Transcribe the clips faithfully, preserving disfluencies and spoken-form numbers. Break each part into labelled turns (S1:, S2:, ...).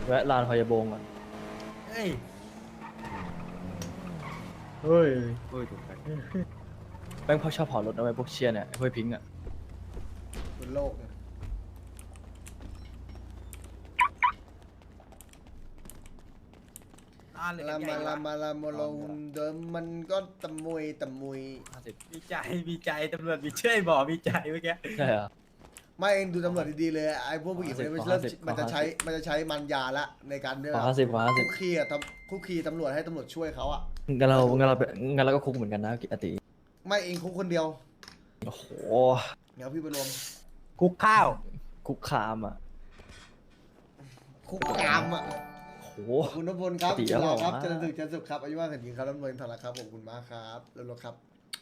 S1: แวะลานพยาบงก่อน
S2: เฮ้ย
S1: เฮ้ย
S2: โอ้ยถูกใจ
S1: แม่งพอชอบเผารถนะไว้พวกเชียร์เนี่ยไอ้พวกพิงค์อ่ะ
S3: บนโลกนะลามาลามาลาโมลงเดิมมันก็ตะมุยตะมุย
S1: ห้าสิบ
S2: มีใจมีใจตำรวจมีเชื่อบอกมีใจเมื่อกี้
S1: ใช่เหรอ
S3: ไม่เองดูตำรวจดีๆเลยไอ้พวกผู้หญิงคนนี้มัน
S1: ขอ
S3: เริ่ม
S1: ห้าสิบ
S3: มันจะ
S1: ขอห้าสิบ
S3: ใช้มันจะใช้มันยาละในการเนี่ย
S1: ขอห้าสิบขอห้าสิบ
S3: คุกคีอะทำคุกคีตำรวจให้ตำรวจช่วยเขาอะ
S1: งั้นเรางั้นเราไปงั้นเราก็คุกเหมือนกันนะอติ
S3: ไม่เองคุกคนเดียว
S1: โอ้โห
S3: เดี๋ยวพี่ไปรวม
S2: คุกข้าว
S1: คุกคามอ่ะ
S3: คุกกามอะ
S1: โอ้โห
S3: ขอบคุณทุกคนครับ
S1: ปกติ
S3: จุฬาครับ
S1: แล้วเหรอ
S3: เจริญสุขเจริญสุขครับอายุว่างกันยิงครับร่ำรวยทองครับขอบคุณมากครับเร็วๆครับ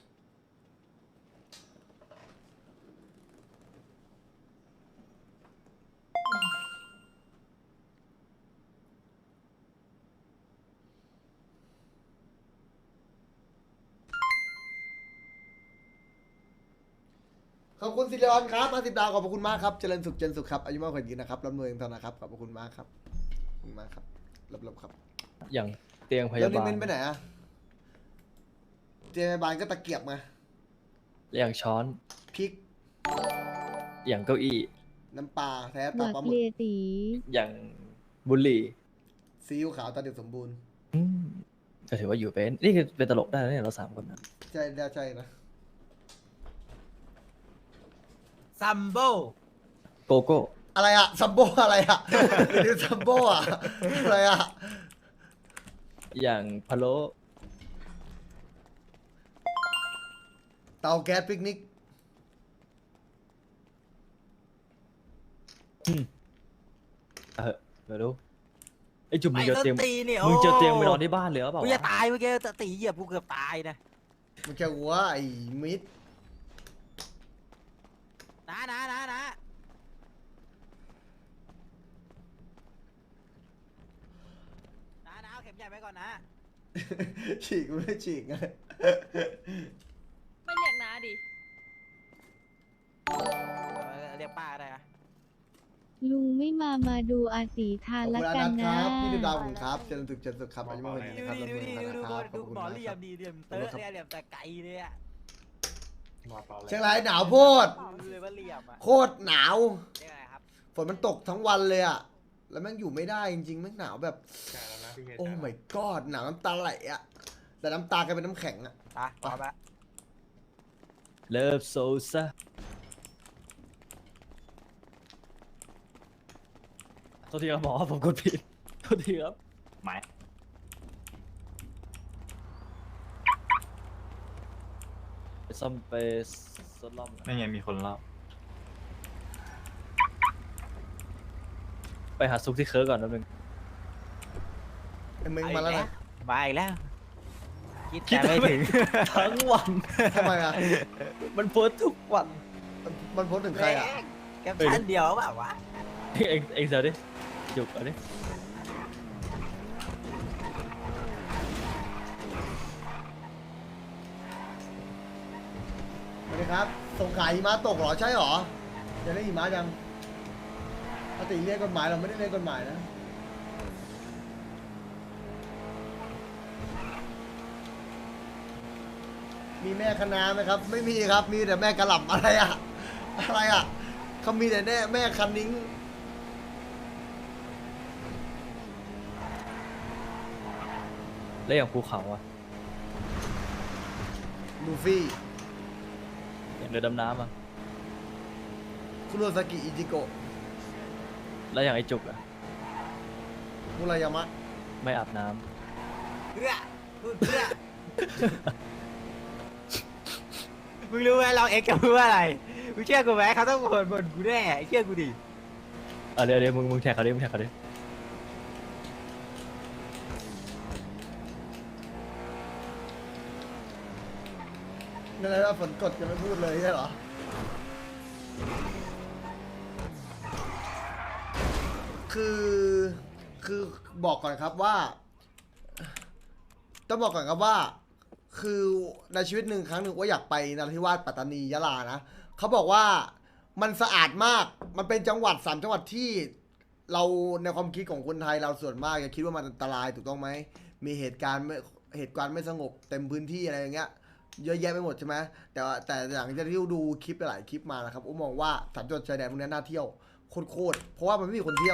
S3: ขอบคุณสิริออนครับมาสิบดาวขอบคุณมากครับเจริญสุขเจริญสุขครับอายุมากกว่ายิงนะครับร่ำรวยทองนะครับขอบคุณมากครับขอบคุณมากครับรับๆครับ
S1: อย่างเตียงพ
S3: แล้
S1: ยาว
S3: นิ
S1: บาล
S3: มินไปไหนอะเจมบาลก็ตะเกียบมา
S1: อย่างช้อน
S3: พริก
S1: อย่างเก้าอี้
S3: น้ำปลาแท้
S4: ห
S3: ปลา
S4: วัก
S3: ปลาหมึ
S4: เลี
S3: ก
S4: ยตี
S1: อย่างบุหรี่
S3: ซีอิ๊วขาวตาเด็กสมบูรณ์
S1: อืมก็ถือว่าอยู่เป็นนี่คือเป็นตลกได้นะเนี่ยเราสามคนนะ
S3: ใช่ได้ใช่นะ
S2: ซัมโบ
S1: โกโก้
S3: อะไรอะซัมโบอะไรอะหรือซัมโบอะอะไรอะ
S1: อย่างพะโล้
S3: เตาแก๊สปิกนิก
S1: เออไม่รู้ไอ้จุ่มมึ
S2: ไม่
S1: งจะ
S2: ต้น
S1: เตียง
S2: ตีเนี่ย
S1: มึงจะเตียงไปนอนที่บ้านเลยหรือเปล่า
S2: กู
S1: วะ
S2: จะตายเมื่อกี้จะตีเหยียบกูเกือบตายนะ
S3: มันแค่หัวไอ้มิด
S2: นะนะนะนะนะนะเอาเข็มใหญ่ไปก่อนนะ
S3: ฉีกไม่ฉีกไง
S5: ไม่เรียกน้าดิ
S2: เออเรียกป้าได้อะ
S4: ลุงไม่มามาดูอาตีทา
S3: ขอน บ
S4: ละ
S3: คุณอ
S4: กั
S3: นั
S4: น
S3: ทค
S4: นะ
S3: รับพี่ดิวดาวผมครับเจริญสุขเจริญสุขครับอายุมากกว่ายิง
S2: ดู
S3: นะครับ
S2: ดิ
S3: ร่ำร
S2: ดู
S3: วย
S2: ดิ
S3: ทอง
S2: ดู
S3: นะครับขอบคุณ
S2: ดูหมอ
S3: มาก
S2: เหลี่
S3: ค
S2: ย
S3: รับ
S2: มดีเหลี่ยมเตอะเนี่ยเหลี่ยมแต่ไกลเลยอะ
S3: เชียงรายหนาวโพด
S2: ดูเลยว่าเหลี่ยมอะ
S3: โคตรหนาว
S2: เรียกอะไรครับ
S3: ฝนมันตกทั้งวันเลยอะแล้วแม่งอยู่ไม่ได้จริงๆแม่งหนาวแบบ โอ้ my god หนาวน้ำตาไหลอะแต่น้ำตากลายเป็นน้ำแข็งอะ
S2: ไปพร้อมละ
S1: เลิฟโซซาโทษทีครับหมอผมกดผิดโทษทีครับ
S6: หมาย
S1: ไปซ่อมไปซ่อมล่อม
S6: ไม่ไงมีคนเล่า
S1: ไปหาซุกที่เคิร์กก่อนแป๊บนึง
S3: ไอ้มึงมาแล้วนะ
S2: มาอีกแล้ว คิด
S1: คิด
S2: แต่ไม่ถึง
S1: ทั้งวัน
S3: ทำไมอะ
S1: มันโพสต์ทุกวัน
S3: มันโพสต์ถึงใครอะ
S2: แคปชั่นเดียวเปล่าวะ
S1: เองเองเดี๋ยวดิจุกเอาดิ
S3: สวัสดีครับสงขลาหิมะตกเหรอใช่เหรอจะได้หิมะยังปกติเรียกกฎหมายเราไม่ได้เรียกกฎหมายนะมีแม่คณะไหมครับ ไม่มีครับมีแต่แม่กระหล่ำอะไรอะอะไรอะเขามีแต่แม่แม่คันนิ้ง
S1: แล้วอย่างภูเขาอ่ะ
S3: ลูฟี่
S1: อย่างเรือดำน้ำอ่ะ
S3: คุโรซากิอิจิโกะ
S1: แล้วอย่างไอ้จุกอ่ะ
S3: มุรายามะ
S1: ไม่อาบน้
S2: เพื่อพูดเพื่อ มึงรู้ไหมเราเอ็กซ์จะพูดว่าอะไรมึงเชื่อกูไหมเขาต้องบ่นบ่นกูแน่เชื่อกูดิ
S1: ำเออเดี๋ยวเดี๋ยวมึงมึงแท็กเขาดิมึงแท็กเขาดิ
S3: นั่นแหละว่าฝนกดจะไม่พูดเลยใช่เหรอ คือคือบอกก่อนครับว่า ต้องบอกก่อนครับว่า คือในชีวิตหนึ่งครั้งหนึ่งว่าอยากไปนราธิวาสปัตตานียะลานะเขาบอกว่ามันสะอาดมากมันเป็นจังหวัดสามจังหวัดที่เราในความคิดของคนไทยเราส่วนมากจะคิดว่ามันอันตรายถูกต้องไหมมีเหตุการณ์ไม่เหตุการณ์ไม่สงบเต็มพื้นที่อะไรอย่างเงี้ยเยอะแยะไปหมดใช่ไหมแต่ว่าแต่อย่างที่ดูคลิปหลายคลิปมานะครับผมมองว่าสามจังหวัดชายแดนพวกนี้น่าเที่ยวโคตรๆเพราะว่ามันไม่มีคนเที่ยว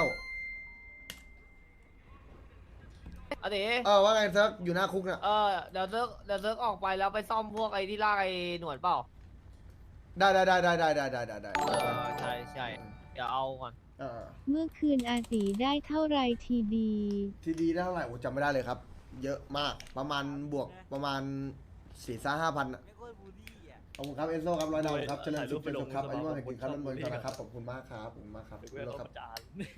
S5: เอาดิ
S3: เออว่าไงเซิร์ฟอยู่หน้าคุกเนี่ย
S5: เออเดี๋ยวเซิร์กเดี๋ยวเซิร์กออกไปแล้วไปซ่อมพวกไอ้ที่ลากไอ้หนวดเปล่า
S3: ได้ได้ได้ได้ได้ได้ได้ได้ได้
S5: เออใช่ใช่เดี๋ยวเอาก่อน
S3: เออ
S4: เมื่อคืนอาตีได้เท่าไรทีดี
S3: ทีดีได้เท่าไหร่ผมจำไม่ได้เลยครับ เยอะมากประมาณบวกประมาณสี่ซ่าห้าพัน
S2: ไม่ค่อยบูลลี่อ่ะ
S3: ขอบคุณครับเอนโซครับร้อยดาวครับเจริญสุข
S1: ถ่ายรู
S3: เป็น
S1: ปไปลง
S3: สุขครับ
S1: สมา
S3: อายุมาก
S1: คม
S3: แห่งกินครับ
S1: คน
S3: น้ำเมือง
S1: ชอบ
S3: นะครับขอบคุณมากครับขอบคุณมากครับ
S1: เด็ก
S3: ขอบ
S1: เว
S3: คุณ
S1: ท
S3: ครับ
S1: ประจาน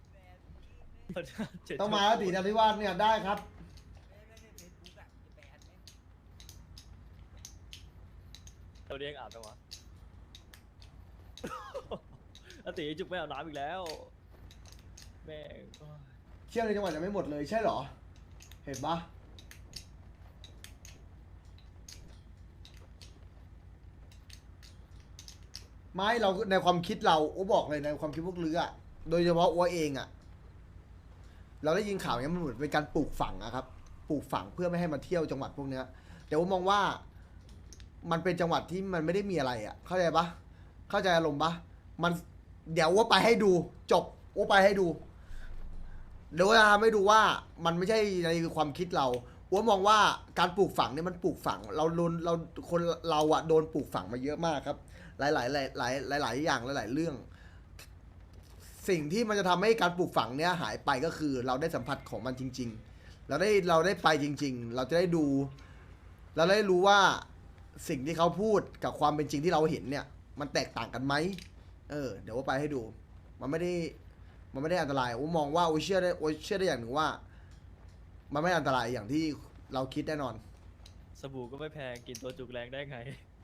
S3: ต้องมาแล้วตีนาทิวาสเนี่ยได้ครับ
S1: เราเรียกอาบจังวะอาติจุกไม่อาบน้ำอีกแล้วแม่ง
S3: เที่ยวในจังหวัดจะไม่หมดเลยใช่เหรอ เห็นปะไม่เราในความคิดเราโอ้บอกเลยในความคิดพวกเรืออะโดยเฉพาะอ้วเองอะเราได้ยินข่าวอย่างนี้ยมันเหมือนเป็นการปลูกฝังอะครับปลูกฝังเพื่อไม่ให้มาเที่ยวจังหวัดพวกเนี้ยแต่ว่ามองว่ามันเป็นจังหวัดที่มันไม่ได้มีอะไรอะเข้าใจปะเข้าใจอารมณ์ปะมันเดี๋ยวว่าไปให้ดูจบว่าไปให้ดู เดี๋ยวจะทำให้ดูว่ามันไม่ใช่ในความคิดเราอ้วมองว่าการปลูกฝังเนี่ยมันปลูกฝัง เราโดนเราคนเราอะโดนปลูกฝังมาเยอะมากครับ หลายหลายหลายหลายหลายหลายอย่างหลายหลายเรื่อง สิ่งที่มันจะทำให้การปลูกฝังเนี้ยหายไปก็คือเราได้สัมผัสของมันจริง ๆ เราได้เราได้ไปจริง ๆ เราจะได้ดู เราได้รู้ว่าสิ่งที่เขาพูดกับความเป็นจริงที่เราเห็นเนี่ย มันแตกต่างกันไหมเออเดี๋ยวว่าไปให้ดู มันไม่ได้ มันไม่ได้อันตรายโอ้มองว่าโอ้เชื่อได้โอ้เชื่อได้อย่างหนึ่งว่า มันไม่อันตรายอย่างที่เราคิดแน่นอน
S1: สบู่ก็ไม่แพงกินตัวจุกแรงได้ไง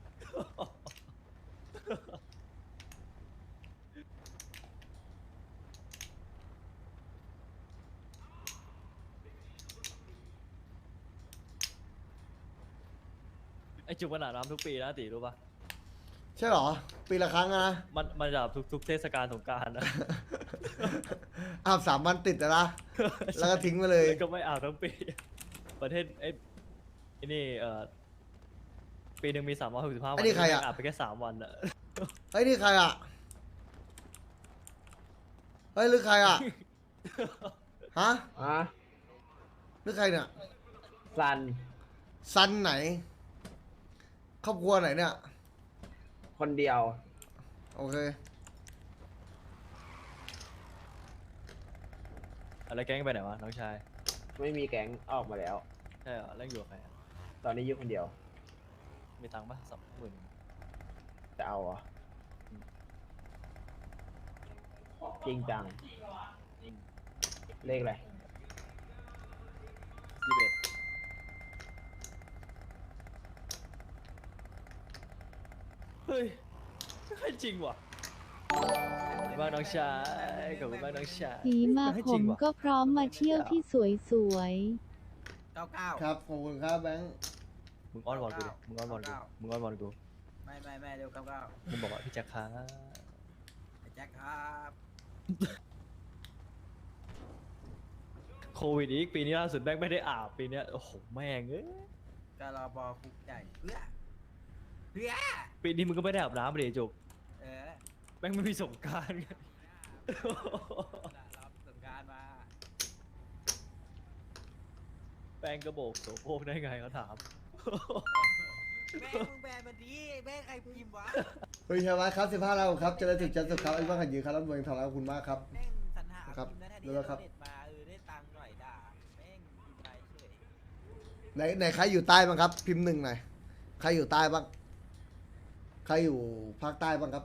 S1: ไอจุกมันอาบน้ำทุกปีนะตีรู้ปะ
S3: ใช่เหรอ ปีละครั้งอะนะ
S1: มันมันจะอาบทุกทุกเทศกาลสงกรารนะ
S3: อาบสามวันติดอะนะ แล้วก็ทิ้งไปเลย
S1: แล้วก็ไม่อาบทั้งปี ประเทศไอ้ไอ้นี่เอ่อปีหนึ่งมีสามร้อยหกสิบห้าวัน
S3: อันนี้ใครอะ
S1: อาบไปแค่สามวันอะ
S3: เฮ้ยนี่ใครอะเฮ้ยหรือใครอะฮะ
S6: อ่ะ
S3: หรือใครเนี่ย
S6: ซัน
S3: ซันไหน ครอบครัวไหนเนี่ย
S6: คนเดียว
S3: โอเค
S1: อะไรแก๊งไปไหนวะน้องชาย
S6: ไม่มีแก๊งออกมาแล้ว
S1: ใช่เหรอแล้วอยู่กับใครอะ
S6: ตอนนี้อยู่คนเดียว
S1: มีตังค์ปะสองหมื่น
S6: จะเอาเหรอจริงจัง เลขอะไร
S1: ยี่สิบเอ็ดเฮ้ยให้จริงว่ะขอบคุณมากน้องชายขอบคุณมากน้องชาย
S4: สีมา
S1: ให้
S4: ผ
S1: จริ
S4: ม
S1: งว่ะ
S4: ก็พร้อมมาเที่ยวที่สวย
S2: เก้าเก้า
S3: ครับ ขอบคุณครับแบงค์
S1: มึงอ้อนวอนกูดิมึงอ้อนวอนกูมึงอ้อนวอนกู
S2: ไม่ไม่ไม่เร็วเก้าเก้า
S1: มึงบอกว่าพี่แจ็คครับ
S2: ไอ้แจ็คครับ
S1: โควิดอีกปีนี้ล่าสุดแม่งไม่ได้อาบปีเนี้ยโอ้โหแม่งเอ้ย
S2: กรบคุกใหญ่เพื่อเพื่อ
S1: ปีนี้มึงก็ไม่ได้อาบน้ำเลยจุก
S2: เออ
S1: แม่งไม่มีสงกรารไง
S2: รับสงการมา
S1: แป้งกระโบกโสโครกได้ไงเขาถาม
S2: แม่มึงแบนมันดีแม่ใครพิมพ์วะ
S3: เฮ้ยใช่ไหมครับสิบห้าเราครับเจริญสุขเจริญสุขครับไอ้บ้านขันยืนครับรับเมืองทองแล้วขอบคุณมากครับ
S2: แม่งสรรหา
S3: ครับ
S2: พิมพ์นั้นแทน
S3: รู้
S2: ที่
S3: แล้
S2: จะ
S3: วครับ
S2: เด็ดมาเออได้ตังค์หน่อยด่าแม่งพิมพ์ไปเฉย
S3: ไหนไหนใครอยู่ใต้บ้างครับ พิมพ์หนึ่งหน่อยใครอยู่ใต้บ้าง ใครอยู่ภาคใต้บ้างครับ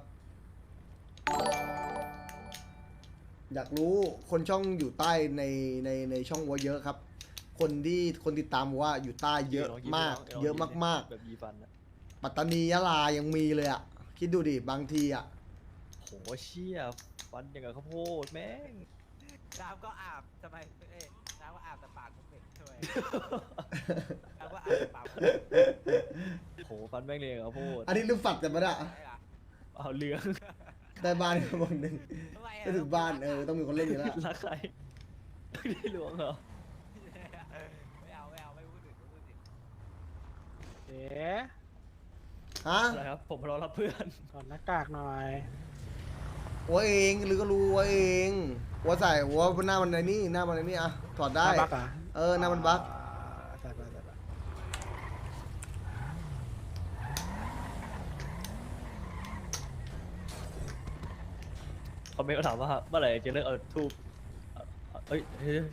S3: อยากรู้คนช่องอยู่ใต้ในในในช่องวัวเยอะครับ คนที่คนติดตามว่าอยู่ใต้เยอะมาก เยอะมาก
S1: แบบยีฟันอะ
S3: ๆ ปัตตานียะลายังมีเลยอ่ะ คิดดูดิบางทีอ่ะ
S1: โหเชี่ยฟันอย่างกับข้าวโพดแม่ง
S2: น้ำก็อาบทำไมเอ้ยน้ำก็อาบแต่ปากมึงเหม็นทำไมน้ำก็อาบแต่ปากมึงเหม็น
S1: โหฟันแม่งเลยอย่างกับข้าวโพด
S3: อันนี้ลืมฝัดกันมาได้
S2: ใช่เหรอ
S1: เอาเหลือง
S3: ได้บ้านก็บางหนึ่ง
S2: ทำไมอะ
S3: จะถึงบ้านเออต้องมีคนเล่นอยู่แล้ว
S1: รักใครได้หลวงเหรอ
S2: ไม่เอาไม่เอาไม่พูดถึงไม่พูดถึง
S7: เอ๋
S3: ฮะ
S1: อะไรครับผมรอรับเพื่อน
S7: ถอดหน้ากากหน่อย
S3: หัวเองหรือก็รู้หัวเองหัวใส่หัวหน้ามันในนี่หน้ามันในนี่อะถอดได้
S7: หน้าบักเหรอ
S3: เออหน้ามันบัก
S7: ใส่ไปใส่ไป
S1: เขาไม่ก็ถามว่าเมื่อไหร่จะเลิกเอาทูบเอ้ยเฮ้ย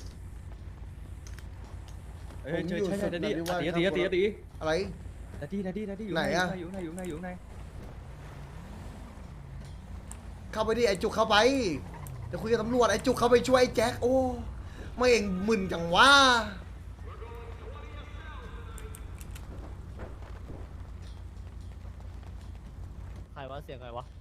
S1: เฮ้ยใช่ใช่ใช่ดัดดี้ตีตีตีตี
S3: อะไร
S1: ดัดดี้ดัดดี้ดัดดี้อยู่
S3: ไหนอะ
S1: อยู่ไหนอยู่ไหนอยู่ไหน
S3: เข้าไปดิไอ้จุกเข้าไปจะคุยกับตำรวจไอ้จุกเข้าไปช่วยไอ้แจ็คโอ้ไม่เองมึนจังวะ
S5: ใครวะเสียงใครวะ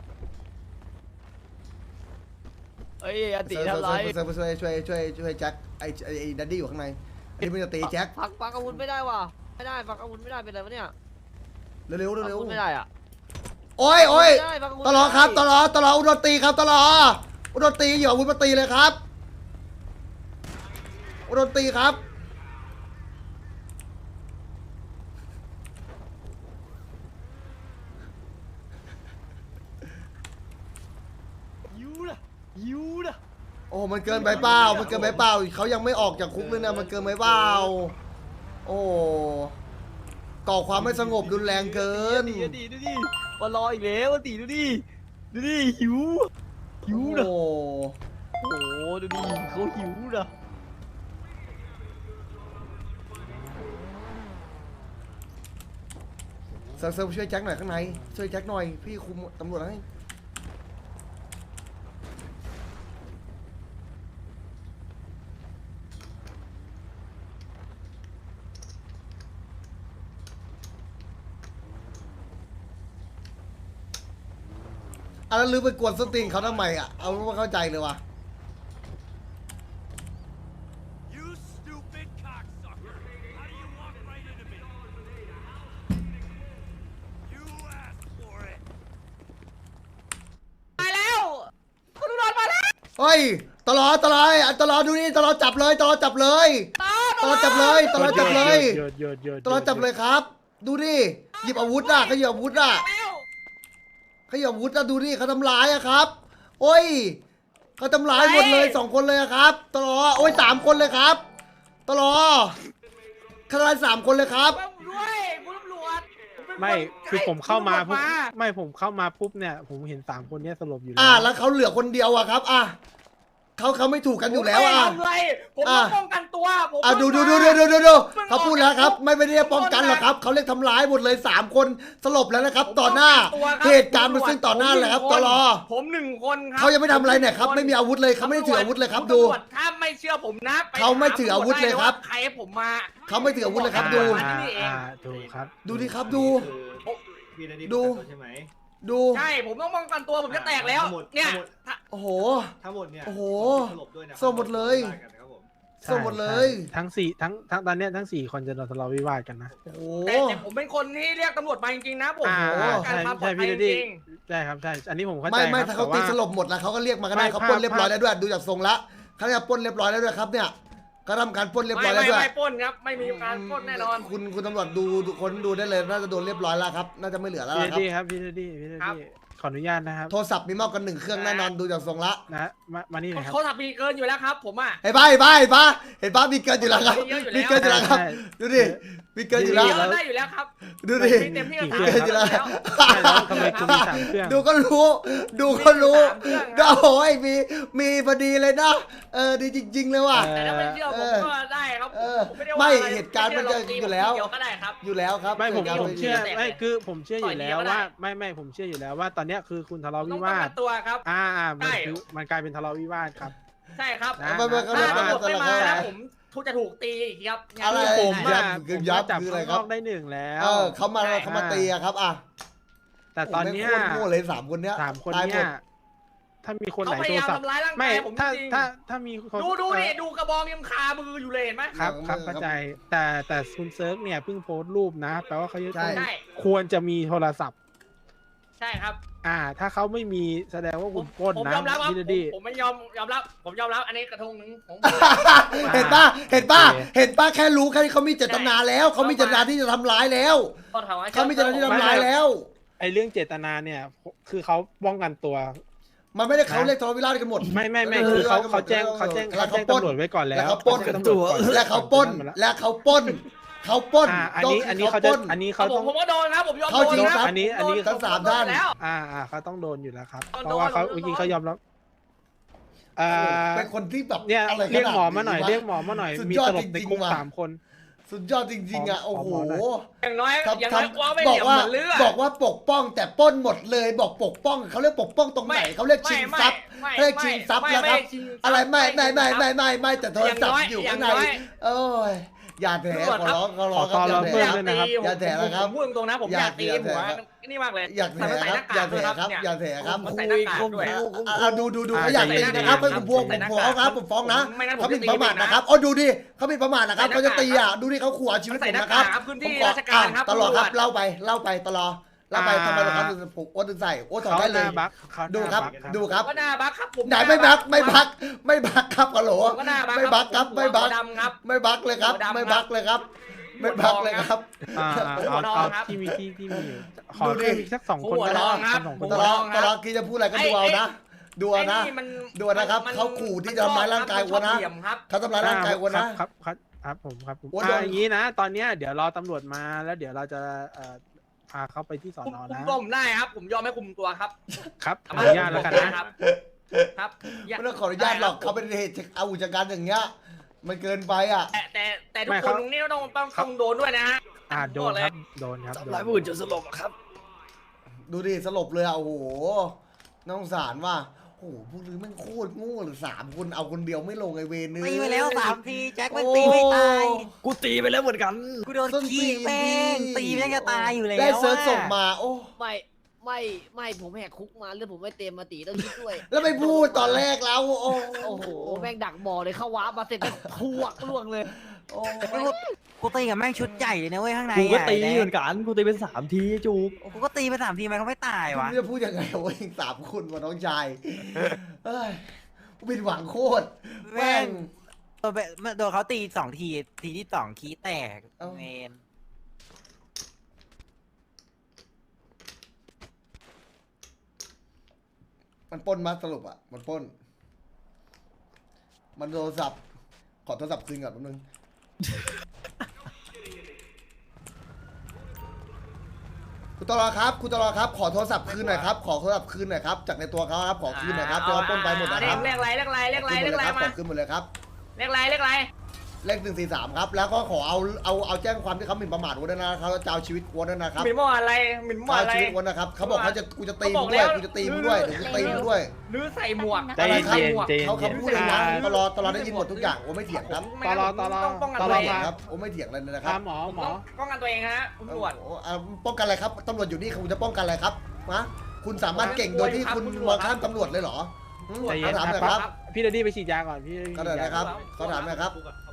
S5: เอ้ยอติทำไร
S3: ช่วยช่วยช่วยช่วยช่วยแจ็คไอ้ไอ้ไอ้ดัดดี้อยู่ข้างในไอ้ที่มันจะตีแจ็ค
S5: พักพักอาวุธไม่ได้ว่ะไม่ได้พักอาวุธไม่ได้เป็นไรวะเนี่ย
S3: เร็วเร็ว
S5: พัก
S3: เร็
S5: อาว วุธไม่ได้อะ
S3: โอ้ยโอ้ย
S5: ไม่ได้พักาวุธ
S3: ตลอดครับต
S5: ไม่ได้
S3: ลอดตลอดอุดรตีครับตลอดอุดรตีอยู่อาวุธมาตีเลยครับอุดรตีครับ
S5: ยูนะยูนะ
S3: โอ้มันเกินไปเปล่ามันเกินไปเปล่าเขายังไม่ออกจากคุกเลยนะมันเกินไปเปล่าโอ้ก่อความไม่สงบรุนแรงเกิน
S5: ดีดีดูดิมารออีกแล้วตีดูดิดูดิหิวหิวนะ
S3: โอ้
S5: โอ้โหดูดิเขาหิวนะ
S3: เซิร์ฟเซิร์ฟช่วยแจ็คหน่อยข้างในช่วยแจ็คหน่อยพี่คุมตำรวจให้อ่ะแล้วลืมไปกวนสตรีนเขาทำไมอ่ะเอาไม่เข้าใจเลยวะ
S2: You stupid cocksucker! How do you walk right into me? You asked for it.
S5: มาแล้วคุณตำรวจมาแล้ว
S3: เฮ้ยตลอดตลอดอ่ะตลอดดูนี่ตลอดจับเลยตลอดจับเลยตลอดจับเลยตลอดจับเลย
S7: หยุดหยุดหยุด
S3: ตลอดจับเลยครับ ดูดิหยิบอาวุธอ่ะเขาหยิบอาวุธอ่ะเขาหยิบอาวุธอ่ะดูดิเขาทำร้ายอ่ะครับโอ้ยเขาทำร้ายหมดเลยสองคนเลยอะครับตลอดโอ้ยสามคนเลยครับตลอดเขาทำร้ายสามคนเลยครับ
S5: ด้วยคุณตำรวจผเป็นน
S7: ไม่คือผมเข้ามา
S5: คุณ
S7: ปุ๊บ
S5: ตำรวจ
S7: ไม่ผมเข้ามาปุ๊บเนี่ยผมเห็นสามคนเนี้ยสลบอยู่
S3: อ่ะแล้วเขาเหลือคนเดียวอะครับอ่ะเขาเขาไม่ถูกกันอยู่แล้วอ่ะ
S5: ผมไม่ทำอะไรผม
S3: อ่ะ
S5: มาป้องกันตัวผม
S3: อ่ะดูดูดูดูดูดูดูเขาพูดแล้วครับ ไม่ไม่ได้ป้องกันหรอกครับเขาเรียกทำร้ายหมดเลยสามคนสลบแล้วนะครับ ต่อหน้าเหตุการณ์มันซึ่งต่อหน้าเลยครับตลอ
S5: ผมหนึ่งคนครั
S3: เขายังไม่ทำอะไรเนี่ยครับไม่มีอาวุธเลยเขาไม่ได้ถืออาวุธเลยครับดู
S5: ตำวจถ้าไม่เชื่อผมนะป
S3: เขาไม่ถืออาวุธเลยครับ
S5: ใครให้ผมมา
S3: เขาไม่ถืออาวุธเลยครับดู
S7: อ่าอ่าถูกครับ
S3: ดูดิครับดู
S8: พี่นาดี
S3: ดู
S8: ใช่ไหม
S3: ดู
S5: ใช่ผมต้องป้องกันตัวผมจะแตกแล้ว
S8: ทั้งหมด
S5: เนี่ย
S3: โอ้โห
S8: ทั้งหมดเนี่ย
S3: โอ้โห
S8: สลบด้วยนะ
S3: สลบหมดเลย
S8: ได้กันนะครับผม
S3: สลบหมดเลย
S7: ใช่ทั้งสี่ทั้งทั้งตอนเนี้ยทั้งสี่คนจะโดนทะเลาะวิวาทกันนะ
S3: โอ้โห
S5: แต่แต่ผมเป็นคนที่เรียกตำรวจมาจริงๆนะผม
S7: อ่า
S5: ป้องกั
S7: ใช่
S5: นความปลอ
S7: ใช่
S5: ดภัย
S7: พี่
S5: จ
S7: ดดี้
S5: ริง
S7: ใช่ครับใช่อันนี้ผมเข้าใจ
S3: ไม่ไม่
S7: ครับ
S3: ถ้าเขา
S7: แต่
S3: ตี
S7: ว่า
S3: สลบหมดแล้วเขาก็เรียกมาก็ได้
S7: ไม่
S3: เขา
S7: ภาพ
S3: ปล้นเรียบร้อย
S7: ภาพ
S3: แล้วด้วยดูจากทรงละเขาจะปล้นเรียบร้อยแล้วด้วยครับเนี่ยเขาทำการปล้น
S5: ๆ
S3: เรียบ
S5: ไม่
S3: ร้อยแล้ว
S5: ไม่
S3: ด้วย
S5: ไม่ปล้นครับไม่มีการปล้นแน่นอน
S3: คุณคุณตำรวจดูดูคนดูได้เลยน่าจะโดนเรียบร้อยแล้วครับน่าจะไม่เหลือแล้ว
S7: พี่
S3: ล่ะ
S7: ด
S3: ครับ
S7: ดี้ครับพี่ดดี้พี่ด
S5: ครับ
S7: ดี้ขออนุญาตนะครับ
S3: โทรศัพท์มีมากกว่าหนึ่งเครื่องแน่นอนดูจากทรงละ
S7: นะมามานี่หนะครับ
S5: เขาทำมีเกินอยู่แล้วครับ ผมอ่ะ
S3: เห็นปะเห็นปะเห็นปะเห็นปะมีเกินอยู่แล้วครับ
S5: มีเยอะอยู่แล้ว
S3: มีเกินอยู่แล้วครับ
S7: ใช่
S3: ดูดิมีเกินอยู่แล้ว
S5: เยอะได้อยู่แล้วครับ
S3: ดูดิ
S5: มีเต็มที่ก็
S7: กี่
S5: สาม
S7: เครื่
S3: เกิ
S7: อน ง
S3: อยู่แล้ว
S7: ใช่แล้วทำไมคุณมีสามเครื่อง
S3: ดูก็รู้ ดูก็รู้
S5: มีสามเครื่องครับ
S3: โอ้ยมีมีพอดีเลยนะเออดีจริง ๆ เลยว่ะ
S5: แต่ถ้าไม่เชื่อผม
S3: เออ
S5: ก็ได้ครับ
S3: เออ
S5: ผมไม่ได้ว่า
S3: ไม่
S5: อะ
S3: เหตุการณ์มันจะ
S5: ไชื่
S3: อยู่แล้ว
S5: เดียวก็ได้ครับ
S3: อยู่แล้วครับ
S7: ไม่ผม
S3: เหตุการณ์
S7: ผมเชื่อ
S5: แตกเลย
S7: ไม่คือผมเชื่ออยู่
S5: ต่อย
S7: แล้
S5: เดียว วก็ได้
S7: ว่าไม่ไม่ผมเชื่ออยู่แล้วว่าตอนเนี้ยคือคุณทะเลาะ
S5: ต้
S7: วิ
S5: องป้อง
S7: วา
S5: กั
S7: ท
S5: นตัวครับ
S7: อ่าอ่ามัน
S5: ใช่
S7: คือมันกลายเป็นทะเลาะวิวาทครับ
S5: ใช่ครับ
S7: นะ
S3: ไม่ไม่ก็
S5: ถ้า
S3: ไม่
S5: ตำรวจ
S3: ก็
S5: ไม่
S3: ไม่
S5: มา
S3: ก็
S5: แล้วผมทุกจะถูกตีอีกครับ
S3: อะไร
S7: ผม
S3: ยั
S7: อ่ะ
S3: บคือ
S7: ผม
S3: ยับ
S7: จับ
S3: คืออะไร
S7: ข้าง
S3: คน รั
S7: อบ กได้หนึ่งแล้ว
S3: เออเขามา
S5: ใช่
S3: เขามาตีอะครับอ่ะ
S7: แต่ตอนเนี้ย
S3: โโหแม่งโคตรโง่เลยสามคนเนี้ย
S7: สามคน
S3: ตายห
S7: เนี้
S3: ด
S7: ยถ้ามีคน
S5: เขา
S7: ไหน
S5: พ
S7: โท
S5: ยาร ยาม
S7: ศัพท์
S5: ทำร้ายร่าง
S7: ไม่
S5: กายผม
S7: ถ้า
S5: จริง
S7: ถ้าถ้ามีคน
S5: ดูดูดิดูกระบองยังคามืออยู่เลยเห็นไหม
S7: ครับครับ
S3: เออ
S7: เข้าใจแต่แต่คุณเซิร์ฟเนี่ยเพิ่งโพสต์รูปนะแปลว่าเขาจะ
S3: ใช่
S7: ต้อง
S5: ใช่
S7: ควรจะมีโทรศัพท์
S9: ช่ครับ
S7: อ่า ถ้าเขาไม่มีแสดงว่าคุณปล้น
S9: ผม
S7: นะ
S9: ยอมรับครับ
S7: พี่
S9: ผ
S7: เด
S9: ม
S7: ดี้
S9: ผมไม่ยอมยอมรับผมยอมรับอันนี้กระทงหนึ่งผม
S3: เห็นป่ะเห็นป่ะ
S7: โอเค
S3: เห็นป่ะแค่รู้แค่นี้เขามีเจตนาแล้วเขามีเจตนาที่จะทำร้ายแล้ว
S9: ก็ถามว่า
S3: เขามีเจตนาที่จะทำร้ายแล้ว
S7: ไอเรื่องเจตนาเนี่ย คือเขาป้องกันตัว
S3: มันไม่ได้เขาเรียกทะเลาะวิวาทกันหมด
S7: ไม่ไม่ไม่
S3: เออ
S7: คือเขา
S3: เออ
S7: เขาแจ้งเขาแจ้ง
S3: แล้ว
S7: เขา
S3: เขา
S7: แจ้ง
S3: ปล้น
S7: ตำรวจไว้ก่อนแล้ว
S3: แล้วเขาปล้น
S7: แจ้งตำรวจก่อน
S3: และเขาปล้น และเขาปล้นเขาปล้น
S7: อ่าอันนี้อันนี้เขา
S3: ป
S7: จะ
S3: ล้น
S7: อันนี้
S9: เขา
S7: เขา
S9: ผ
S7: ต้
S9: ม
S7: อง
S9: ผมก็โดนครับผมยอม
S3: เขา
S9: โดน
S3: จริง
S9: ครับ
S3: ครับ
S7: อันนี้อันนี้
S3: ทั้งสามท่าน
S9: แล้ว
S7: อ่าอ่าเขาต้องโดนอยู่แล้วครับ
S9: โดน
S7: เพราะว่าเขา
S9: โดน
S7: เมื่อกี้
S9: โดน
S7: เขายอมรับเอ่อ
S3: เป็นคนที่แบบ
S7: เนี่ย
S3: อะไร
S7: เรียกหมอ
S3: ขด
S7: มาหน่อยว
S3: ะ
S7: เรียกหมอมาหน่อย
S3: สุด
S7: มี
S3: ยอด
S7: ตลบ
S3: จ
S7: ใน
S3: ริงๆ
S7: คุก
S3: ว่ะ
S7: สามคน
S3: สุดยอดจริงๆอ่ะ
S7: ขอ
S3: โอ้โห
S7: ขอหน่อย
S9: อย่างน้อย
S3: ทำ
S9: อย่างน้อย
S3: ทำ
S9: กลัวไม่
S3: บ
S9: เห
S3: อก
S9: ลี่ยม
S3: ว่า
S9: เหมือนเลือด
S3: บอกว่าปกป้องแต่ปล้นหมดเลยบอกปกป้องเขาเรียกปกป้องตรงไหนเขาเรียกชิงทรัพย์
S9: ไม่
S3: เขาเรียกชิงทรัพย์
S9: ไม่
S3: แล้วครับ
S9: ไม่ชิงทรัพย์
S3: อะไรไม่ไม่ไม่ไม่
S9: ไม่
S3: ไม่ไม่แต่โทรศัพท์อยู่ข้างใน
S9: อย่างน้อย
S3: โอ้ยอย่าแถขอร้องขอร้องค
S7: ขอ
S3: รับ
S7: ขอ
S3: อย่า
S7: ร้อง
S3: แถ
S7: เพิ่มด้วยนะครับ
S3: อย่าแถนะครับ
S9: ผมพูดตรงๆนะผมอยากตี
S3: อย่า
S9: หัว
S3: แถครับ
S9: นี่มากเลย
S3: อยากแถ
S9: มันใส่
S3: ค
S9: ห
S3: รับ
S9: น้ากา
S3: อย่าก แถ
S9: ด้วย
S3: ครับ
S9: เนี่ย
S3: อย่าแถครับ
S9: มันใส่หน้ากากด้วย
S3: เอาดูดูดูเขาอยากตีนะครับให้ผมพวงผมฟ้องครับผมฟ้องนะ
S9: ไม่งั้นผม
S3: เขาหมิ่น
S9: จะตี
S3: ประมาท
S9: เองนะ
S3: นะครับอ๋อดูดิเขาหมิ่นประมาทนะครับ
S9: ใส่
S3: เขา
S9: หน้า
S3: จะตีอ่ะ
S9: กาก
S3: ดูดิเขาขู่เอาชีวิต
S9: ใส่
S3: ผม
S9: หน้า
S3: นะครับ
S9: กากครับพื้นที่
S3: ผมขอ
S9: ราชการครับ
S3: อ่ะตลอดครับ
S9: ตำรวจ
S3: เล่าไปเล่าไปตลอดเล่าไป
S7: อ่า
S3: ทำไมเราครับถึงผมโอ้ถึงใส่โอ้ถอด
S7: เขา
S3: ได้
S7: ห
S3: เลย
S7: น้าบักเขาห
S3: ดู
S7: น้า
S3: ครับ
S7: บัก
S3: ดูครับ
S9: ก็หน้าบักครับผม
S3: ไหนไม่บักไม่บักไม่บักครับฮัลโหล
S9: ผมก็หน้าบัก
S3: ไม่บักครับไม่บัก
S9: หัวดำครับ
S3: ไม่บักเลยครับ
S9: หัวดำครับ
S3: ไม่บักเลยครับ ไม่บักเลยครับ
S7: อ่าอ่า
S9: ผมหั
S7: เอา
S9: วทอง
S7: เอา
S9: ครับ
S7: ที่มีที่ที่มีอยู่ขอ
S3: ดูดิ
S7: เพิ่มอีกสักสองคน
S9: ผมหัว
S7: ก็
S9: ท
S7: ได้
S9: องครับ
S7: สองค
S9: ผม
S7: น
S3: ต
S9: หัว
S3: ล
S9: ท
S3: อ
S9: อ
S3: ด
S9: ง
S3: ตลอดคิดจะพูดอะไรก็ดูเอานะดูเอานะ
S9: ไอ้มัน
S3: ดูนะครับ
S9: มัน
S3: เขาขู่ที่จะทำร้ายร่างกาย
S9: มัน
S3: อ้วนนะ
S9: เหลี่ยมครับ
S3: เขาทำร้ายร่างกายอ้วนนะ
S7: ครับครับครับผมครับผม
S3: อ้วน
S7: อ่า
S3: โดน
S7: อย่างนี้นะ ตอนเนี้ยเดี๋ยวรอตำรวจมาแล้วเดี๋ยวเราจะเอ่อพาเขาไปที่สอ
S9: คุม
S7: นอ
S9: คุม
S7: นะ
S9: ตัวผมได้ครับ ผมยอมให้คุมตัวครับ
S7: ครับขอ
S9: เอ
S7: อนุญาตแล้วกันนะ
S9: ครับ ครับ
S3: ไม่ต้องขออนุญาตหรอกเขาเป็นเหตุอาวุธการอย่างเงี้ยมันเกินไปอ่ะ
S9: แต่แต่แต่ทุก
S7: ไม่
S9: ค
S7: ครั
S9: น
S7: บ
S9: ตรงนี้ต้องต้องต้องโดนด้วยนะฮะ
S7: อ่าโดนครับโดนครับโดน
S1: หลายผู้อื่นจนสลบอะครับ
S3: ดูดิสลบเลยอ่ะโอ้โหน่าสงสารว่ะโอ้โหพวกนี้แม่งโคตรโง่เลยสามคนเอาคนเดียวไม่ลงไอเวรเนื้
S2: ตีไปแล้วสามทีแจ็คมันตีไม่ตาย
S1: กูตีไปแล้วเหมือนกัน
S2: กูโดนขี้แม่งตีแม่งจะตายอยู่แล้ว
S3: ได้เซิร์ช
S2: อะ
S3: ส่งมาโอ้
S10: ไม่ไม่ไม่ผมแหกคุกมาเรื่องผมไม่เต็มมาตีต้องคิดด้วย
S3: แล้วไม่พูดตอนแรกแล้วโอ้
S10: โอ้โหแม่งดักบ่อเลยเข้าว้ามาเสร็จแล้วพวกล่วงเลย
S3: โอ้
S2: กูตีกับแม่งชุดใหญ่เลยนะเว้ยข้างใน
S1: กูก็
S2: อะ
S1: ตี
S2: ไอ้
S1: เหมือนกัน กูตีเป็นสามทีจูบ
S2: กูก็ตีไปสามทีมันก็ไม่ตายวะ
S3: ไม่รู้จะพูดยังไงวะเองสามคนวะน้องชายเอ้ยกูผิดหวังโคตรแม่ง
S2: โดนไปโดนเขาตีสองทีทีที่สองขี้แตก
S3: เอ้า
S2: เมน
S3: มันปล้นมาสรุปอ่ะมันปล้น มันโทรศัพท์ขอโทรศัพท์คืนก่อนแป๊บนึง คุณตลอครับคุณตลอครับขอโทรศัพท์คืนหน่อยครับขอโทรศัพท์คืนหน่อยครับจากในตัวเขาครับขอคืนหน่อยครับเดี๋ยวเขาปล้นไปหมดนะครับ
S9: เรียกอะไรเรียกอะไรเรียกอะไรเรียกอะไร
S3: ข
S9: มา
S3: อคืนหมดเลยครับ
S9: เรียกอะไรเรียกอะไร
S3: เลขหนึ่งสี่สามครับแล้วก็ขอเอาเอาเอาแจ้งความที่เขาหมิ่นประมาทวัวด้วยนะครับเขาจะเอาชีวิตวัวด้วยนะครับ
S9: หมิ่นมั่วอะไรหมิ่นมั่ว
S3: เอา
S9: อะไร
S3: ชีวิตวัวนะครับเขาบอกเขาจะกูจะตี
S9: เขาบ
S3: มึ
S9: อก
S3: งด้วย
S9: แล้ว
S3: กูจะตีมึงด้วยเดี๋ยวกูตีมึงด้วย
S9: หรือใส่หมวก
S7: ใจ
S3: อะไรครับ
S7: เย็นใจเย็น
S3: เขาเขาพูดเลยนะตลอดตลอดได้ยินหมดทุกอย่างโอ้ไม่เถียงครับ
S7: ตลอดตลอด
S9: ต้องป้องกัน
S7: ต
S9: ตั
S7: ล
S9: ว
S7: อด
S9: เอง
S7: มา
S3: ครับโอ้ไม่เถียงเลยนะค
S7: ตา
S3: รับ
S7: มหมอหม
S9: ต้
S7: อ
S9: องป้องกันตัวเองฮะคุณตำรวจ
S3: โอ้อ่าป้องกันอะไรครับตำรวจอยู่นี่คุณจะป้องกันอะไรครับนะคุณสามารถเก่งโดยที่คุณมองข้ามตำรวจเลยเหรออืม
S7: ใจเย็น
S3: เขาถามหน่อย
S7: ค
S3: ค
S7: รั
S3: รั
S7: บบ พี่เดดดี้ไปฉีดยาก่อนพี่
S3: ก็ได้นะครับเขาถามหน่อยครับ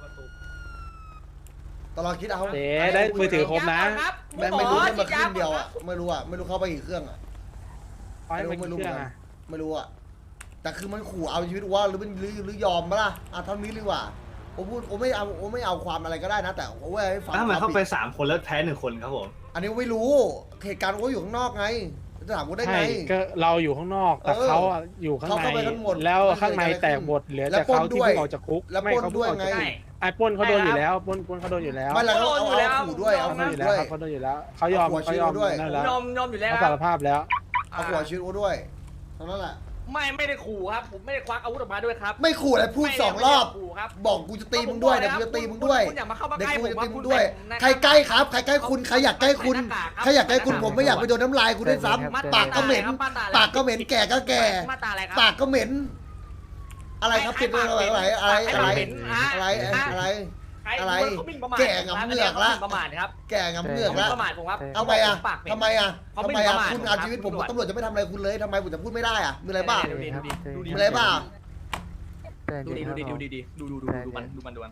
S3: ตลอดคิดเอา
S7: เจ๊ได้มือถือครบนะ
S3: ไม่ไม่รู้ให้มาขึ้นเดียวอ่ะไม่รู้อ่ะไม่รู้เข้าไปกี่เครื่องอ่ะ
S7: ขอให้มัน
S3: ไม่รู้
S7: เครื่อง
S3: ไม่รู้
S7: อ่ะ
S3: ไม่รู้อ่ะแต่คือมันขู่เอาชีวิตว่าหรือเป็นหรือหรือยอมปะล่ะอ่ะเท่านี้ดีกว่าผมพูดผมไม่เอาผมไม่เอาความอะไรก็ได้นะแต่ผมว่าให้ฟัง
S8: ทำไม
S3: คว
S8: เข้า
S3: ผิด
S8: ไปสามคนแล้วแพ้หนึ่งคนครับผม
S3: อันนี้ไม่รู้เหตุการณ์ก็อยู่ข้างนอกไงจะถามกูได้
S7: ใช่
S3: ไง
S7: ก็เราอยู่ข้างนอกแต่
S3: เออ
S7: เขาอะอยู่ข้าง
S3: เขา
S7: ใน
S3: เข้าไปกันหมด
S7: แล้วข้างในแตกหมดเหลือ
S3: แล้ว
S7: แต่
S3: ปล้น
S7: เขาที่
S3: ด้วย
S7: เพิ่งออกจากคุก
S3: แล้ว
S7: ไม่
S3: ปล้น
S7: เขาเพิ่งออกจาก
S3: ด้วยไง
S7: คุกไอ้ปล้นเขาโดนอยู่แล้วปล้นปล้นเขาโดนอยู่แล้ว
S3: ไม่แล้วเขาเอาเอาขู่ด้วยเอา
S7: เขาโดน
S3: ขู่
S7: อยู่แล้ว
S3: ด้วย
S7: ครับเขาโดนอยู่แล้วเขายอม
S3: เอาหัว
S7: เขายอม
S3: ชิวด้วย
S7: นั่นแล้ว
S9: ยอมยอมอยู่แล้ว
S7: เขา
S9: ค
S7: สา
S9: รับ
S7: รภาพแล้ว
S3: เอาหัวชีวิตกูด้วยเท่านั้นแหละ
S9: ไม่ไม่ได้ขู่ครับ ผมไม่ได้ควักอาวุธออกมาด้วยครับ
S3: ไม่ขู่อะไรพูดสองรอบ
S9: ไม่ได้ขู่ครับ
S3: บอกกูจะตีมึงด้วยเดี๋ยวกูจะตีมึงด้วย
S9: คุณอย่ามาเข้ามา
S3: เดี๋ยว
S9: ใกล้
S3: กู
S9: ผม
S3: จะ
S9: ว่า
S3: ตีมึ
S9: คุ
S3: ง
S9: ณ
S3: ด้วย
S9: ใส่
S3: ใครใกล้ครับใครใกล้คุณใครอยากใกล้คุณใครอยากใกล้คุณผมไม่อยากไปโดนน้ำลายคุณด้วยซ้ำปากก็เหม็นปากก็เหม็นแก่ก็แก่
S9: มาตราอะไรครับ
S3: ปากก็เหม็น อะไรครับปิดอะไรอะไรอะไรอะไรอะไรอะไร
S9: ใคร
S3: อะไร
S9: เขาหมิ่นประมาท
S3: แก่งำเหงือกละ
S9: ขาหมิ่นประมาทครับ
S3: แก่งำเงือก
S9: เขาหมิ่
S3: ละ
S9: นประมาทผมครับ
S3: เอาไปอ่ะ
S9: ปากเหม็น
S3: ทำไมอ่ะ
S9: เขา
S3: ทำ
S9: ไม่
S3: ไมอ่ะ
S9: ประมาท
S3: คุณเอาชีวิตผม
S9: ครับ
S3: ตำรวจจะไม่ทำอะไรคุณเลยทำไมผมจะพูดไม่ได้อ่ะมีอะไรบ้าง
S9: ดูดิดูดิดูดิ
S3: มีอะไรบ้าง
S9: ดูดิดูดิดูดิดูดิดูดูดูดูมันดูมันดูมัน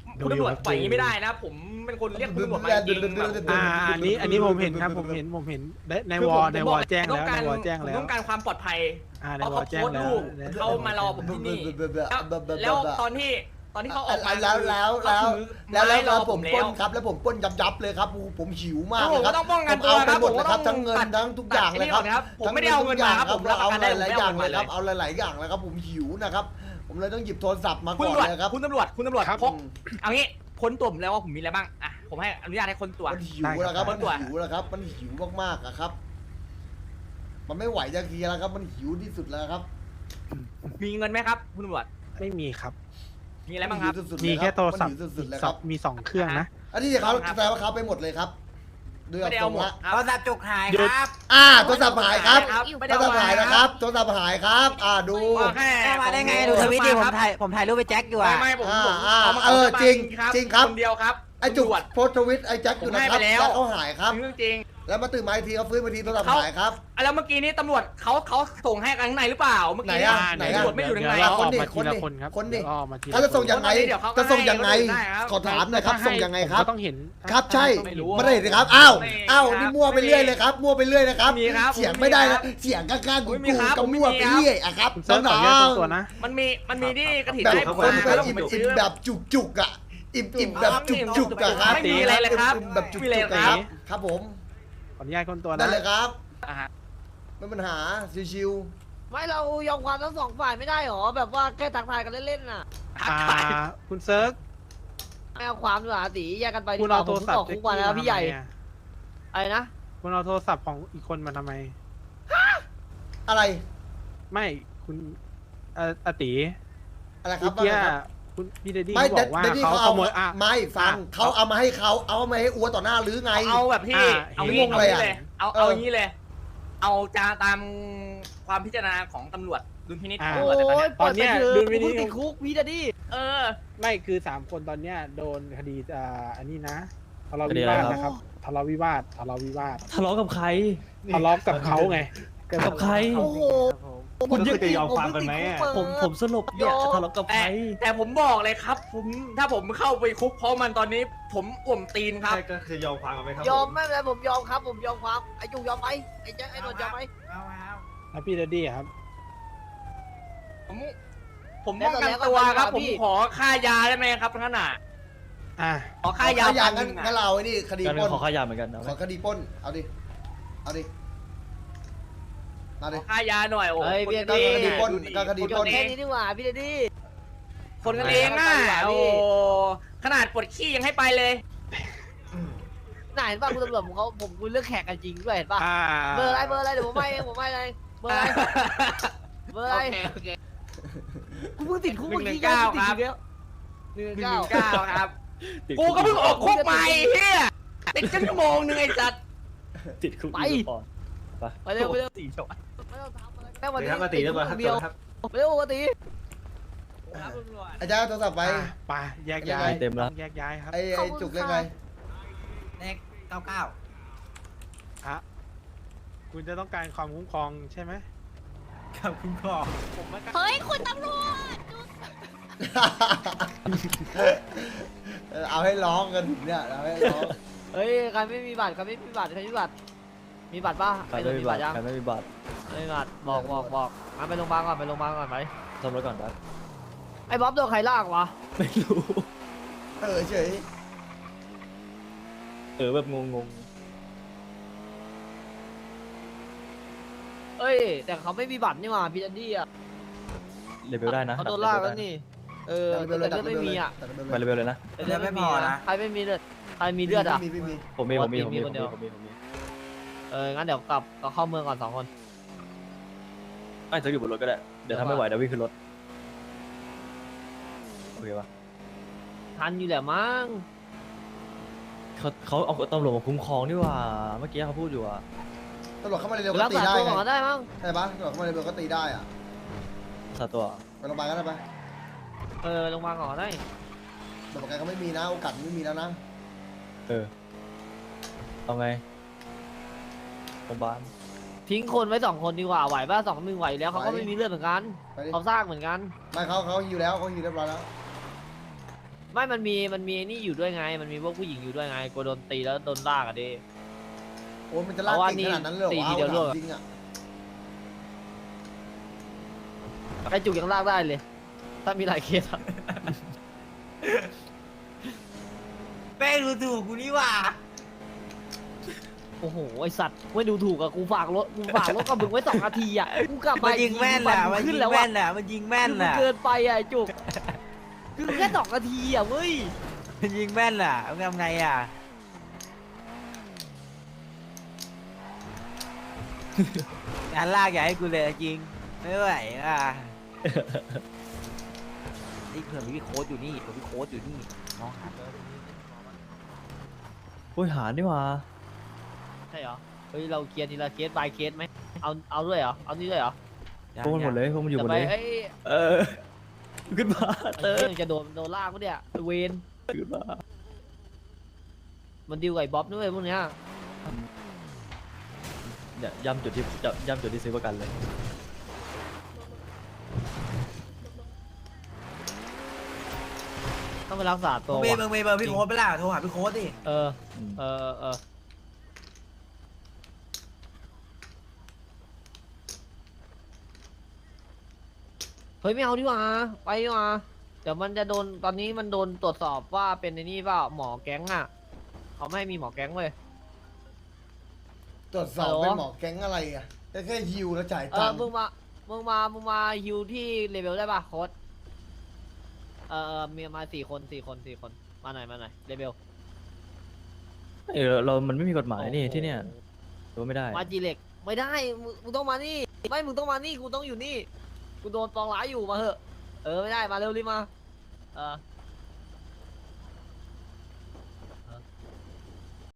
S9: คุณตำรวจปล่อยอย่างนี้ไม่ได้นะ ผมเป็นคนเรียกคุณตำรวจมาจริงๆแบบ
S7: อ่าอันนี้อันนี้ผมเห็นครับผมเห็นผมเห็นในใน
S9: คือ
S7: ว
S9: ผ
S7: อ
S9: ม
S7: ใน
S9: ผม
S7: ว
S9: บ
S7: อ
S9: อก
S7: แจ้ง
S9: ต้
S7: แล้
S9: อ
S7: ว
S9: งการ
S7: ในวอแจ้ง
S9: ผม
S7: แล้ว
S9: ต้องการความปลอดภัย
S7: อ่าใน
S9: เพราะ
S7: วอ
S9: เขา
S7: แจ้ง
S9: โพสต์
S7: แล้ว
S9: รูปเขามารอผมที่นี่แล้วแล้วตอนที่ตอนที่เขาออกมา
S3: แล้วแล้ว
S9: เขา
S3: แล้ว
S9: ถือ
S3: แล้วแล้ว
S9: ไม้รอ
S3: ผ
S9: ผม ม
S3: ปล้
S9: แล้
S3: น
S9: ว
S3: ครับแล้วผมปล้นยับยับเลยครับโอ้โหผมหิวมาก
S9: ผม
S3: เลยครับ
S9: ก็ต้องป้อง
S3: ผ
S9: กัน
S3: ม
S9: ตัว
S3: เอาไป
S9: ครับ
S3: หมดเลยครับ
S9: ผมก็ต้
S3: ทั้
S9: อง
S3: งเงิน
S9: ตัด
S3: ทั้งทุกอย่างเลยครับ
S9: ตัดผมไม่ได้เอาเงินมาครับผมรับประ
S3: เอา
S9: กัน
S3: ห
S9: ได้
S3: ลายๆอย่าง
S9: ผมไม่
S3: เลย
S9: เอาเงินมาเลย
S3: ครับเอาหลายๆอย่างเลยครับผมหิวนะครับผมเลยต้องหยิบโทรศัพท์มา
S9: คุณ
S3: ก่อ
S9: ตำรวจ
S3: นเลยครับ
S9: คุณตำรวจคุณตำรวจ
S7: ครับ
S9: พกเอางี้ค้นตัวผมแล้วว่าผมมีอะไรบ้างอ่ะผมให้อนุญาตให้ค้นตัว
S3: มันหิวแล้วครับ
S9: ได้
S3: มัน
S9: ครับ
S3: หิวแล้วครับมันหิวมากๆอะครับ มันไม่ไหวจะเคลียร์แล้วครับมันหิวที่สุดแล้วครับ
S9: มีเงินไหมครับ คุณตำรวจ
S7: ไม่มีครับ
S9: มีอะไรบ้างครับ
S3: นหิวสุดๆ
S7: มี
S3: เลย
S7: แค่โทรศัพท์
S3: มันหิวสุดๆเลย
S7: ส
S3: ค
S7: อ
S3: รั
S7: บบ มีสองเครื่องนะ
S3: อันนี้เขา
S9: ครับ
S3: แสดงว่าเขาไปหมดเลยครับดู
S9: ไม่ได้
S3: ตร
S9: เอา
S3: ง
S9: หมด
S3: ละ
S9: ครับ
S2: โทรศัพท์จุกหาย
S7: หยุ
S2: ค
S7: ด
S2: รับ
S3: อ่าโทรศัพท์หายครับ
S9: ไม่
S3: โท
S9: ได้
S3: ร
S9: เอา
S3: ศัพท์
S9: มา
S3: หายนะครับโทรศัพท์หายครับ อ่าดู
S9: ว่าแค่
S2: แม่มาได้ไง
S9: ของ
S2: ดูทวิตดิผม
S9: ครับ
S2: ถ่ายผมถ่ายรูปไปแจ็คอยู่
S9: ไม่
S2: อะ
S9: ไม่ผม
S3: อ่า
S9: ผม
S3: อ่า
S9: เอามา
S3: เออ
S9: ข
S3: จริง
S9: ครับ
S3: จริงครับ
S9: คนเดียวครับ
S3: ไอ้จุก
S9: ตำรวจ
S3: โพสต์ทวิตไอ้แจ็คอยู่นะค
S9: ผมให้
S3: รับ
S9: ไปแล้ว
S3: แล้วเขาหายครับ
S9: เรื่องจริง
S3: แล้วมาตื่นมาอีกทีเขาฟื้นมาทีโทรศัพท์
S9: เขา
S3: หายครับ
S9: อ่ะแล้วเมื่อกี้นี้ตำรวจเขาเขาส่งให้กันข้างในหรือเปล่าเมื่อกี้
S3: ไหนอะ
S9: อ่ะ
S3: ไหน
S9: ตำ
S3: อะ
S9: รวจไม่อยู่ข้างใน
S7: เดี๋ยวเรา
S3: ค
S7: อน อก
S3: ดิ
S7: มาทีละ
S3: ค
S7: คน น
S3: ดิ
S7: ครับ
S3: คนดิ
S7: เดี๋ยวเราออกมาทีละ
S3: เขาจะส่ง
S7: คน
S3: ยังไง
S9: เดี๋ยวเขาก็
S3: จะส่งยังไง
S9: ให้ได้ครับ
S3: ขอถามหน่อยครับ
S7: ให้
S3: ส่งยังไง
S7: ผม
S3: ครับ
S7: ก็ต้องเห็น
S3: ครับใช่
S9: ไม่รู้
S3: ไม่ได้เลยครับอ้าว
S9: ไม่
S3: อ้าว
S9: ครับ
S3: นี่มั่วไปเรื่อยเลยครับมั่วไปเรื่อยนะครับ
S9: ไม่มีครับ
S3: เสียง
S9: ไม่มี
S3: ไม่ได้
S9: ครั
S3: นะ
S9: บ
S3: เสียงข้างๆกู
S9: ไม่มี
S3: กู
S9: ครับ
S3: ก็มั่วไป
S9: ไม่มีครับ
S3: เรื่อยอะครับ
S7: คุณเซิร์ฟขอ
S3: น้
S7: แยก
S3: อง
S7: ตัวนะ
S9: มันมีมันมีที่กระถิ่น
S3: แบบ
S9: ให้
S3: ค
S9: ผม
S3: น
S9: นะ
S3: ไป
S9: แล้ว
S3: อิ่
S9: ผม มไป
S3: อิ่
S9: ซื้
S3: ม
S9: อ
S3: แบบจุกๆอะอิ่มอิ่มแบบจุกๆอะครับ
S9: ไม่มีอะไรเลยครับ
S3: อิ่มแบบจุก
S9: ไม่มี
S3: ๆ
S9: อะไร
S3: อะ
S9: ค
S3: ค
S9: รั
S3: รับ บครับผม
S7: ขออนุญาตคนตัว
S3: นั่
S7: นะ
S3: นเลยครับ
S9: อ่ะฮะ
S3: ไม่มีปัญหาชิว
S10: ไม่เรายอมความทั้งสองฝ่ายไม่ได้หรอแบบว่าแค่ทักทายกันเล่นๆน่ะ
S7: อ่าคุณเซิร์ฟ
S10: ไม่เอาความดีกว่าตีแยกกันไปดี
S7: คุณ
S10: กว่า
S7: เอา
S10: ผ
S7: โทร
S10: ม
S7: ศัพ
S10: ออก
S7: ท์
S10: คุกมาแล้วพี่ใหญ่
S7: อะ
S10: อะไรนะ
S7: คุณเอาโทรศัพท์ของอีกคนมาทำไม
S3: ๆอะไร
S7: ไม่คุณเอ่ออาติ
S3: อะไรครั
S7: เมื่
S3: บ
S7: อกี้
S3: ว่าไงครับ
S7: คุณพี่เดดดี้
S3: ไม่
S7: เขาบอกว่า
S3: เดดดี้
S7: เขา
S3: เขา
S7: ข
S3: เอา
S7: โมยอ่ะ
S3: ไม่ฟัง
S7: อ่ะ
S3: เขาเอามาให้เขาเอามาให้อัวต่อหน้าหรือไง
S9: เอาแบบที่
S7: อ่า
S9: เอา
S3: เห็น
S9: งี้
S3: งง
S9: เอา
S3: เลย
S9: งี้
S3: อะ
S9: เลยเอา
S3: เออ
S9: เอาอย่างนี้เลย เอาจาตามความพิจารณาของตำรวจดุลพินิจของ
S7: อ่า
S9: ตำรวจแต่ตอน
S10: โอ้
S9: เนี้ย
S10: ย
S7: ตอนเนี้ย
S10: เปิด
S7: ดู
S10: ไป
S7: วิ
S10: เถ
S7: ดี
S10: อะ
S7: โอ
S10: กูติดคุกพี่ดดดี้
S9: เออ
S7: ไม่คือสามคนตอนเนี้ยโดนคดีอ่าอันนี้นะทะเลาะวิวาทนะครับทะเลาะวิวาททะเลาะวิวาท
S1: ทะเลาะกับใคร
S7: ทะเลาะกับเขาไง
S1: กับใคร
S10: โอ้โห
S1: คุณยัง
S10: จะยอมความกันไหม
S1: ผมผมสลบเนี่ยทะเลาะกับใค
S9: แต่
S1: ร
S9: แต่ผมบอกเลยครับ ผมถ้าผมเข้าไปคุกเพราะมันตอนนี้ ผมอ่วมตีนครับ
S8: ใช่ก็จะยอมความกันไหมครับ
S10: ยอม
S8: ผ
S10: ไม่เป็นไรผมยอมครับผมยอมความไอ้จุกยอมไหมไอ้แจ๊คไอ้นนท์ยอมไหม
S2: เอาเอา
S7: แล้วพี่เดดดี้อะครับ
S9: ผมผมป้องกันตัวครับ ผมขอค่ายาได้ไหมครับท่านน่ะ
S7: อ่ะ
S9: ขอค่ายา
S3: ขอ
S9: พั
S3: ยาน
S9: ห
S3: งั้
S9: นึ่
S3: น
S9: ง
S3: งั้น
S9: อะ
S3: เราไอ้นี่คดี
S1: การ
S3: ปล้น
S1: ขอขายาเหมือนกันนะ
S3: ขอคดีปล้นเอาดิเอาดิมา
S9: ข
S3: ดิ
S9: อค่ายาหน่อยโอ้
S10: เฮ้ย
S9: คน
S10: พี่
S9: ดี
S3: คดีปล้นก็คดีปล้น
S10: แค่นี้ดีกว่าพี่ดดดี้
S9: คนกันเองอ่ะ
S10: เอาไปดีกว่าพี่
S9: โอ้ขนาดปวดขี้ยังให้ไปเลย
S10: น่าเห็นป่ะคุณตำรวจผมเขาผมคุยเรื่องแขกกันจริงด้วยเห็นป่ะ
S7: อ่า
S10: เบอร์อะไรเบอร์อะไรเดี๋ยวผมให้เองผมให้เลยเบอร์อะไรเบอร์อะไร
S9: โอเคโอเค
S10: กูเพิ่งติดคุกเมื่อกี้
S9: หนึ่งหนึ่งเก้า
S10: ติด
S9: ครับ
S10: อีกแล้วหนึ่ง
S9: หนึ่ง
S10: เก้า
S9: เก้าครับ กูก็เพิ่งออกคุกใหม่เฮียติดกันชั่วโมงนึงไอ้สัตว์
S1: ติดคุก
S10: ไป
S1: อยู่ก่อน
S10: ไปเร็วไปเร็ว
S9: สี่ชั่วโมง
S10: ไม่ต้องทำอะไรแค่วัน
S8: เดี๋ยว
S10: นี้
S8: ครับมาตีเรียบร้อยครับ
S10: เดียว
S8: ครับ
S10: ไปเร็วปกติ
S9: ครับตำรวจ
S3: ไอ้จ้าโทรศัพท์ไป
S7: อ่ะไปแยกย้าย
S1: เต็มแล้ว
S7: แยกย้ายครับ
S3: ไอ้ไอ้จุกเล่นไง
S2: เลขเก้าเก้า
S7: อ่ะคุณจะต้องการความคุ้มครองใช่ไหม
S2: ครับคุณพ่อ
S4: เฮ้ย คุณตำรวจ
S3: เออเอาให้ร้องกันถึงเนี่ยเอาให้ร้อง
S10: เฮ้ยใครไม่มีบัตรใครไม่มีบัตรใครไม่มีบัตรมีบัตรป่ะ
S1: ใคร
S10: ไอ้น
S1: ไม่
S10: นท์
S1: มี
S10: มี
S1: บั
S10: บั
S1: ต
S10: ต
S1: ร
S10: รยัง
S1: ใครไม่มีบัตร
S10: ไม่มีบัตรบอกบอกบอกมาไปโรงพยาบาลก่อนไปโรงพยาบาลก่อนไป
S1: ซ่อมรถก่อนครับ
S10: ไอ้บ๊อบโดนใครลากวะ
S1: ไม่รู้
S3: เออเฉย
S1: เออแบบงง
S10: เอ้ยแต่เขาไม่มีบัตรนี่หว่าพี่ดันดี้อ่ะ
S1: ๆเลเวลได้นะ
S10: เขาโดนลากแล้วนี่เออ
S3: ดัก
S10: แต่
S3: เร็วเลยดั
S10: เลื
S3: ก
S10: อด
S3: เร็
S10: ไม่
S3: วเล
S10: มี
S3: ย
S10: อ่ะ
S3: ดักเร็ว
S1: ไป
S3: เลย
S1: เลเวลเลยนะ
S10: แต่เลือดไม่มีนะใครไม่มีเลือดใครมีเลือดอ่ะ
S3: ไม่มีไม่มี
S1: ผมมีผมมีผมมี
S10: มี
S1: ผ
S10: ค
S1: ม
S10: น
S1: มี
S10: เดียว
S1: ผมมีผมมี
S10: เอองั้นเดี๋ยวกลับก็เข้าเมืองก่อนสองคน
S1: ไอ้เธออยู่บนรถก็ได้เดี๋ยวถ้าไม่ไหวเดี๋ยววิ่งขึ้นรถโอเคปะ
S10: ทันอยู่แหละมั้ง
S1: เขาเขาเอาตำรวจมาคุ้มครองนี่หว่าเมื่อกี้เขาพูดอยู่อ่ะ
S3: ตำรวจเข้ามาเร็วๆ
S10: รั
S3: ก็
S10: ก
S3: ตี
S10: ษา
S3: ได้
S10: ตัว
S3: ไง
S10: ก่อนก็ได้มั้ง
S3: ใช่ปะตำรวจเข้ามาเร็วๆก็ตีได้อ่ะ
S1: สาตัว
S3: ไปโรงพยาบาลก็ได้ปะ
S10: เออลงมาลก่อนก็ได้
S3: แต่ประกันก็ไม่มีนะโอกาสไม่มีแล้วนะ
S1: เออเอาไงโรงพยาบาล
S10: ทิ้งคนไว้สองคนดีกว่าไหวป่ะสองหนึ่งไหวแล้วเขาก็ไม่มีเลือดเหมือนกัน
S3: ไปดิ
S10: เขาสร้างเหมือนกัน
S3: ไม่เขาเขาฮิวแล้วเขาฮิวเรียบร้อยแล้ว
S10: ไม่มันมีมันมีนี่อยู่ด้วยไง มันมีพวกผู้หญิงอยู่ด้วยไงกลัวโดนตีแล้วโดนลากอะดิ
S3: โอ้ยมันจะลาก
S10: เพราะว่า
S3: เก่งขนาดนั้นเลยเหรอ
S10: ตี
S3: วะ
S10: ทีเดียว
S3: เอา
S10: รวด
S3: ถามจริงอ่ะ
S10: ไอจุกยังลากได้เลย ถ้ามีหลายเคสอะ
S2: แม่งดูถูกกูนี่หว่า
S10: โอ้โหไอสัตว์ไม่ดูถูกอะกูฝากรถกูฝากรถกับมึงไว้สองนาทีอะกูกลับ
S2: มั
S10: มาน
S2: ยิงแม่นแหละ
S10: มั
S2: มัน
S10: ขึ้
S2: ยิ
S10: น
S2: ง
S10: แล้ว
S2: แม่
S10: อะ
S2: นแหละมันยิงแม่น
S10: คือ
S2: แห
S10: มัน
S2: ละ
S10: เกินไปอะไอจุกคือแค่สองนาทีอะเว้ย
S2: มันยิงแม่นแหละเอาทำไงอ่ะงานลากอย่าให้กูเลยจริงไม่ไหวอ่ะนี่เผื่อมีพี่โค้ดอยู่นี่เผื่อพี่โค้ดอยู่นี่มองหา
S1: อุ้ยหานี่หว่า
S10: ใช่เหรอเฮ้ยเราเคลียร์ทีละเคส by เคสไหมเอาเอาด้วยเหรอเอานี่ด้วยเหรอ
S1: พวกมันหมดเลยพวกมันอยู่หมดเลย
S10: จะไปเอ้ย
S1: เออขึ้นมา
S10: ไอ้
S1: เตอ
S10: เรื่องจะโดนโดนลากปะเนี่ยไอ้เวน
S1: ขึ้นมา
S10: มันดิวกับไอ้บ๊อบด้วยพวกเนี้ย
S1: เนี่ยย้ำจุดที่จะย้ำจุดที่ซื้อประกันเลย
S10: ต้องไปรักษาตัว
S2: มึงมี
S10: ว่ะ
S2: มึงมีเบอร์พี่โค้ดไปล่ะโทรหาพี่โค้ดดิ
S10: เออเออเออเฮ้ยไม่เอาดีกว่าไปดีกว่าเดี๋ยวมันจะโดนตอนนี้มันโดนตรวจสอบว่าเป็นในนี่เปล่าหมอแก๊งอ่ะเขาไม่ให้มีหมอแก๊งเว้ย
S3: ตรวจสอบ
S10: ฮัลโหล
S3: เป็นหมอแก๊งอะไรอ่ะแค่แค่ฮิวแล้วจ่าย
S10: เอ
S3: ตั
S10: อง
S3: ค์
S10: มึงมามึงมามึงมาฮิวที่เลเวลได้ป่ะโค้ดเออเออมีมาสี่คนสี่คนสี่คนมาหน่อยมาหน่อยเลเวล
S1: เออเรามันไม่มีกฎหมายนี่ที่เนี่ยรู้ไม่ได้
S10: มาจีเล็กไม่ได้มึงมึงต้องมานี่ไม่มึงต้องมานี่กูต้องอยู่นี่กูโดนปองร้ายอยู่มาเหอะเออไม่ได้มาเร็วรีบมาเออ